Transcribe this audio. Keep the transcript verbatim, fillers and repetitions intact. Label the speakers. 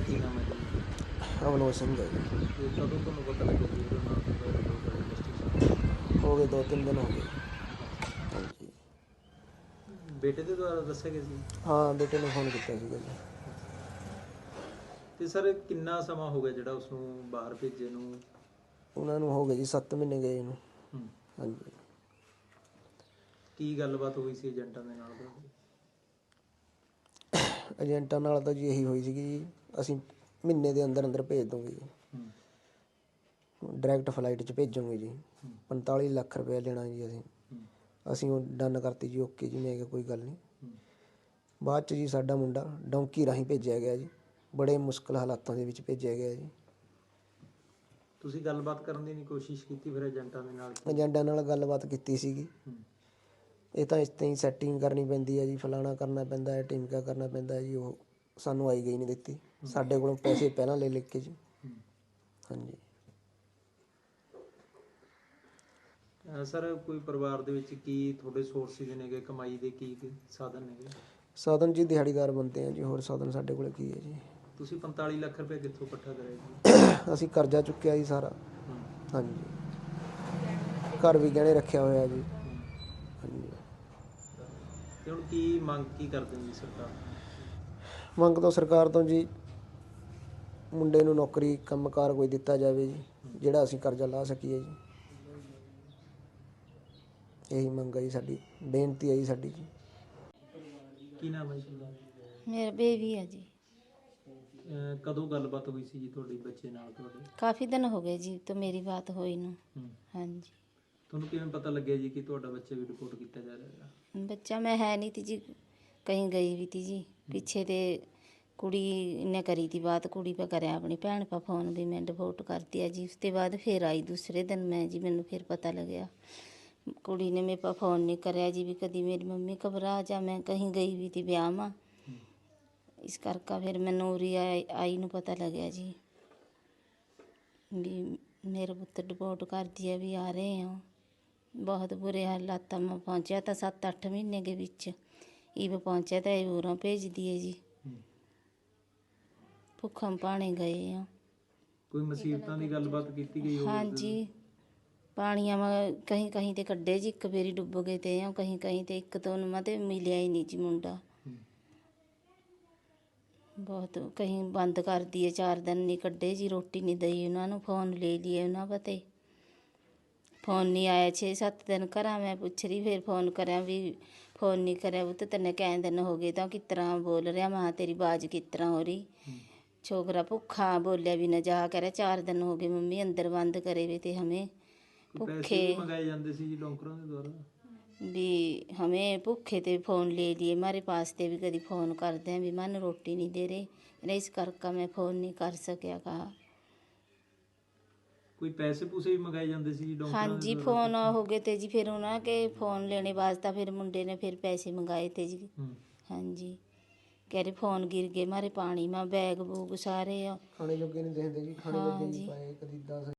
Speaker 1: ਕੀ ਨਾਮ ਹੈ ਜੀ?
Speaker 2: ਅਵਨੋਦ ਸਿੰਘ ਹੈ ਜੀ।
Speaker 1: ਤੇ ਕਦੋਂ ਤੁਹਾਨੂੰ ਪਤਾ ਲੱਗਿਆ ਜੀ ਉਹਦੇ ਨਾਲ ਤੁਹਾਡਾ ਰਿਪੋਰਟ ਇਨਵੈਸਟੀਗੇਸ਼ਨ?
Speaker 2: ਹੋ ਗਏ ਦੋ ਤਿੰਨ ਦਿਨ ਹੋ ਗਏ।
Speaker 1: ਅੱਛਾ,
Speaker 2: ਹਾਂਜੀ।
Speaker 1: ਬੇਟੇ ਦੇ ਦੁਆਰਾ ਦੱਸਿਆ ਗਿਆ ਸੀ?
Speaker 2: ਹਾਂ, ਬੇਟੇ ਨੇ ਫੋਨ ਕੀਤਾ ਸੀਗਾ ਜੀ।
Speaker 1: ਤੇ ਸਰ ਕਿੰਨਾ ਸਮਾਂ ਹੋ ਗਿਆ ਜਿਹੜਾ ਉਸਨੂੰ ਬਾਹਰ ਭੇਜੇ ਨੂੰ?
Speaker 2: ਉਹਨਾਂ ਨੂੰ ਹੋ ਗਏ ਜੀ ਸੱਤ ਮਹੀਨੇ ਗਏ ਨੂੰ।
Speaker 1: ਹੂੰ।
Speaker 2: ਹਾਂਜੀ।
Speaker 1: ਕੀ ਗੱਲਬਾਤ ਹੋਈ ਸੀ ਏਜੰਟਾਂ ਦੇ ਨਾਲ ਤੁਹਾਡੀ?
Speaker 2: ਏਜੰਟਾਂ ਨਾਲ ਤਾਂ ਜੀ ਇਹੀ ਹੋਈ ਸੀਗੀ ਜੀ, ਅਸੀਂ ਮਹੀਨੇ ਦੇ ਅੰਦਰ ਅੰਦਰ ਭੇਜ ਦੂੰਗੇ ਜੀ,
Speaker 1: ਹੂੰ।
Speaker 2: ਡਾਇਰੈਕਟ ਫਲਾਈਟ 'ਚ ਭੇਜੂਗੇ ਜੀ।
Speaker 1: ਹੂੰ।
Speaker 2: ਪੰਤਾਲੀ ਲੱਖ ਰੁਪਇਆ ਲੈਣਾ ਜੀ ਅਸੀਂ।
Speaker 1: ਹੂੰ।
Speaker 2: ਅਸੀਂ ਉਹ ਡਨ ਕਰਤੀ ਜੀ, ਓਕੇ ਜੀ, ਮੈਂ ਕਿਹਾ ਕੋਈ ਗੱਲ ਨਹੀਂ।
Speaker 1: ਹੂੰ।
Speaker 2: ਬਾਅਦ 'ਚ ਜੀ ਸਾਡਾ ਮੁੰਡਾ ਡੋਂਕੀ ਰਾਹੀਂ ਭੇਜਿਆ ਗਿਆ ਜੀ, ਬੜੇ ਮੁਸ਼ਕਿਲ ਹਾਲਾਤਾਂ ਦੇ ਵਿੱਚ ਭੇਜਿਆ ਗਿਆ ਜੀ।
Speaker 1: ਤੁਸੀਂ ਗੱਲਬਾਤ ਕਰਨ ਦੀ ਨਹੀਂ ਕੋਸ਼ਿਸ਼ ਕੀਤੀ ਫਿਰ ਏਜੰਟਾਂ ਦੇ ਨਾਲ?
Speaker 2: ਏਜੰਟਾਂ ਨਾਲ ਗੱਲਬਾਤ ਕੀਤੀ ਸੀਗੀ।
Speaker 1: ਹੂੰ।
Speaker 2: ਇਹ ਤਾਂ ਇਸ ਤਰ੍ਹਾਂ ਹੀ ਸੈਟਿੰਗ ਕਰਨੀ ਪੈਂਦੀ ਹੈ ਜੀ, ਫਲਾਣਾ ਕਰਨਾ ਪੈਂਦਾ ਹੈ, ਟਿਮਕਾ ਕਰਨਾ ਪੈਂਦਾ ਹੈ ਜੀ। ਉਹ ਸਾਨੂੰ ਆਈ ਗਈ ਨਹੀਂ ਦਿੱਤੀ, ਸਾਡੇ ਕੋਲੋਂ ਪੈਸੇ ਪਹਿਲਾਂ ਲੈ ਲੈ ਕੇ ਜੀ।
Speaker 1: ਹੂੰ।
Speaker 2: ਹਾਂਜੀ।
Speaker 1: ਅਹ ਸਰ ਕੋਈ ਪਰਿਵਾਰ ਦੇ ਵਿੱਚ ਕੀ ਤੁਹਾਡੇ ਸੋਰਸਿਸ ਨੇਗੇ ਕਮਾਈ ਦੇ, ਕੀ ਕੀ ਸਾਧਨ ਨੇਗੇ?
Speaker 2: ਸਾਧਨ ਜੀ ਦਿਹਾੜੀਦਾਰ ਬੰਦੇ ਆ ਜੀ, ਹੋਰ ਸਾਧਨ ਸਾਡੇ ਕੋਲ ਕੀ ਹੈ ਜੀ।
Speaker 1: ਤੁਸੀਂ ਪੰਤਾਲੀ ਲੱਖ ਰੁਪਏ ਕਿੱਥੋਂ ਇਕੱਠਾ ਕਰਿਆ ਜੀ?
Speaker 2: ਅਸੀਂ ਕਰਜ਼ਾ ਚੁੱਕਿਆ ਜੀ ਸਾਰਾ।
Speaker 1: ਹੂੰ।
Speaker 2: ਹਾਂਜੀ। ਘਰ ਵੀ ਗਹਿਣੇ ਰੱਖਿਆ ਹੋਇਆ ਜੀ।
Speaker 1: ਹੂੰ।
Speaker 2: ਹਾਂਜੀ।
Speaker 1: ਤੇ ਹੁਣ ਕੀ ਮੰਗ ਕੀ ਕਰਦੇ ਹੋ ਜੀ ਸਰਕਾਰ?
Speaker 2: ਮੰਗ ਤੋਂ ਸਰਕਾਰ ਤੋਂ ਜੀ ਮੁੰਡੇ ਨੂੰ ਨੌਕਰੀ ਕੰਮਕਾਰ ਕੋਈ ਦਿੱਤਾ ਜਾਵੇ ਜੀ, ਜਿਹੜਾ ਅਸੀਂ ਕਰਜ਼ਾ ਲਾ ਸਕੀਏ ਜੀ। ਇਹੀ ਮੰਗ ਹੈ ਜੀ ਸਾਡੀ, ਬੇਨਤੀ ਹੈ ਜੀ ਸਾਡੀ ਜੀ।
Speaker 1: ਕੀ ਨਾਮ ਹੈ ਜੀ?
Speaker 3: ਮੇਰਾ ਬੇਬੀ ਹੈ ਜੀ।
Speaker 1: ਅਹ ਕਦੋਂ ਗੱਲਬਾਤ ਹੋਈ ਸੀ ਜੀ ਤੁਹਾਡੇ ਬੱਚੇ ਨਾਲ ਤੁਹਾਡੇ?
Speaker 3: ਕਾਫੀ ਦਿਨ ਹੋ ਗਏ ਜੀ ਤਾਂ ਮੇਰੀ ਬਾਤ ਹੋਈ ਨੂੰ।
Speaker 1: ਹੂੰ।
Speaker 3: ਹਾਂਜੀ।
Speaker 1: ਤੁਹਾਨੂੰ ਕਿਵੇਂ ਪਤਾ ਲੱਗਿਆ ਜੀ ਕਿ ਤੁਹਾਡਾ ਬੱਚਾ ਵੀ ਰਿਪੋਰਟ ਕੀਤਾ ਜਾ ਰਿਹਾ ਹੈ?
Speaker 3: ਬੱਚਾ ਮੈਂ ਹੈ ਨਹੀਂ ਤੀ ਜੀ, ਕहीं ਗਈ ਵੀ ਤੀ ਜੀ ਪਿੱਛੇ। ਤੇ ਕੁੜੀ ਨੇ ਕਰੀ ਤੀ ਬਾਤ, ਕੁੜੀ ਪਾ ਕਰਿਆ ਆਪਣੀ ਭੈਣ ਪਾ ਫੋਨ ਵੀ ਮੈਂ ਡਿਵੋਰਟ ਕਰਤੀ ਹੈ ਜੀ। ਉਸ ਤੋਂ ਬਾਅਦ ਫਿਰ ਆਈ ਦੂਸਰੇ ਦਿਨ ਮੈਂ ਜੀ, ਮੈਨੂੰ ਫਿਰ ਪਤਾ ਲੱਗਿਆ। ਕੁੜੀ ਨੇ ਮੇਰੇ ਪਾ ਫੋਨ ਨਹੀਂ ਕਰਿਆ ਜੀ ਵੀ ਕਦੀ ਮੇਰੀ ਮੰਮੀ ਘਬਰਾ ਜਾ, ਮੈਂ ਕहीं ਗਈ ਵੀ ਤੀ ਵਿਆਹ ਮਾ। ਇਸ ਕਰਕੇ ਫਿਰ ਮੈਨੂੰ ਉਰੀ ਆਈ ਆਈ ਨੂੰ ਪਤਾ ਲੱਗਿਆ ਜੀ ਵੀ ਮੇਰੇ ਪੁੱਤ ਡਿਵੋਰਟ ਕਰਦੀ ਹੈ, ਵੀ ਆ ਰਹੇ ਹੋ। ਬਹੁਤ ਬੁਰੇ ਹਾਲਾਤਾਂ ਮੈਂ ਪਹੁੰਚਿਆ ਤਾਂ ਸੱਤ ਅੱਠ ਮਹੀਨੇ ਦੇ ਵਿੱਚ ਈਵ ਪਹੁੰਚਿਆ ਤਾਂ ਇਹ ਉਰੋਂ ਭੇਜਦੀ ਹੈ ਜੀ। ਭੁੱਖਮ ਪਾਣੀ ਗਏ ਆ।
Speaker 1: ਕੋਈ ਮੁਸੀਬਤਾਂ ਦੀ ਗੱਲਬਾਤ ਕੀਤੀ ਗਈ ਹੋਵੇ?
Speaker 3: ਹਾਂਜੀ। ਪਾਣੀਆਂ ਵਾ ਕहीं ਕहीं ਤੇ ਕੱਢੇ ਜੀ, ਇੱਕ ਵਾਰੀ ਡੁੱਬ ਗਏ ਤੇ ਆ ਕहीं ਕहीं ਤੇ, ਇੱਕ ਤੋਂ ਉਹਨਾਂ ਤੇ ਮਿਲਿਆ ਹੀ ਨਹੀਂ ਜੀ ਮੁੰਡਾ। ਬਹੁਤ ਕहीं ਬੰਦ ਕਰਦੀ ਹੈ, ਚਾਰ ਦਿਨ ਨਹੀਂ ਕੱਢੇ ਜੀ, ਰੋਟੀ ਨਹੀਂ ਦਈ ਉਹਨਾਂ ਨੂੰ। ਫੋਨ ਲੈ ਲਈਏ ਉਹਨਾਂ ਪਤੇ, ਫੋਨ ਨਹੀਂ ਆਇਆ ਛੇ ਸੱਤ ਦਿਨ। ਘਰਾਂ ਮੈਂ ਪੁੱਛ ਰਹੀ, ਫਿਰ ਫੋਨ ਕਰਿਆ ਵੀ ਫੋਨ ਨਹੀਂ ਕਰਿਆ ਉਹ ਤਾਂ ਤੈਨੇ ਕਈ ਦਿਨ ਹੋ ਗਏ ਤਾਂ ਕਿਸ ਤਰ੍ਹਾਂ ਬੋਲ ਰਿਹਾ। ਮਾਂ ਤੇਰੀ ਬਾਜ਼ ਕਿਸ ਤਰ੍ਹਾਂ ਹੋ ਰਹੀ? ਛੋਕਰਾ ਭੁੱਖਾ ਬੋਲਿਆ ਵੀ ਨਾ ਜਾ ਕਰਿਆ, ਚਾਰ ਦਿਨ ਹੋ ਗਏ ਮੰਮੀ ਅੰਦਰ ਬੰਦ ਕਰੇ ਵੇ ਤੇ ਹਮੇ ਭੁੱਖੇ
Speaker 1: ਮੰਗਾਏ ਜਾਂਦੇ ਸੀ ਜੀ ਡੋਂਕਰਾਂ ਦੇ ਦੁਆਰਾ
Speaker 3: ਵੀ ਹमें भूखे ते फ़ोन ले लिए हमारे पास ते भी कभी फ़ोन करते हैं भी मन रोटी नहीं दे रहे, इस करके मैं फ़ोन नहीं कर सकिया। कहा
Speaker 1: ਕੋਈ ਪੈਸੇ ਪੂਸੇ ਵੀ ਮੰਗਾਏ ਜਾਂਦੇ ਸੀ ਜੀ ਡੋਂਕਰਾਂ
Speaker 3: हाँ
Speaker 1: ਦੇ
Speaker 3: जी,
Speaker 1: ਦੁਆਰਾ?
Speaker 3: फ़ोन हो गए थे जी, फिर उन्होंने फ़ोन लेने वास्ता फिर मुंडे ने फिर पैसे मंगाए थे जी। हाँ जी, कह रहे फ़ोन गिर गए हमारे पानी में, बैग बूग सारे
Speaker 2: खाने जोगे नहीं देते जी, खाने जोगे नहीं पाए कभी दस